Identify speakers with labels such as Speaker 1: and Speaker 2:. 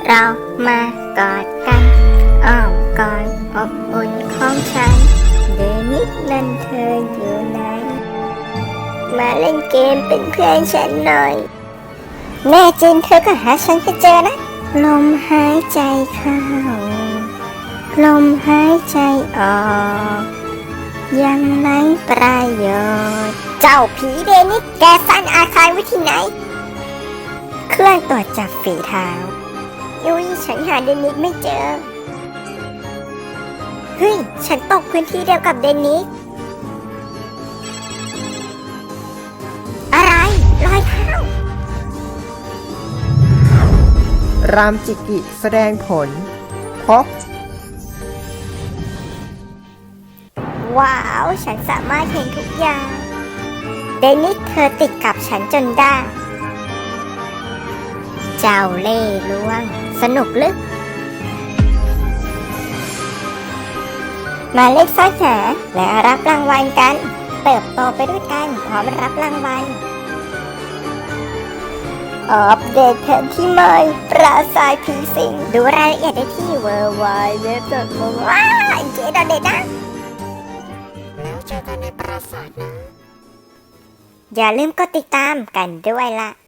Speaker 1: เรามากอดกันอ้อมกอดอบอุ่นของฉันเดนิสนั่นเธออยู่ไหนมาเล่นเกมเป็นเพื่อนฉันหน่อยแน่จริงเธอก็หาฉันให้เจอนะลมหายใจเข้าลมหายใจออกยังไร้ประโยชน์เจ้าผีเดนิสแกซ่อนอาคารไว้ที่ไหนเครื่องตรวจจับฝีเท้ายุ้ยฉันหาเดนิสไม่เจอเฮ้ยฉันตกพื้นที่เดียวกับเดนิสอะไรรอยเท้าร
Speaker 2: ามจิกิแสดงผลพบ
Speaker 1: ว้าวฉันสามารถเห็นทุกอย่างเดนิสเธอติดกับฉันจนได้เจ้าเล่ห์ลวงสนุกลึกมาเล่นซ่อนหาและรับรางวัลกันเติบโตไปด้วยกันพร้อมรับรางวัลอัปเดตแผนที่ใหม่ปราสาทผีสิงดูรายละเอียดได้ที่ www.ว้าวเจ๊ดอเด็ดนะแล้วเจอกันในปราสาทนะอย่าลืมกดติดตามกันด้วยล่ะ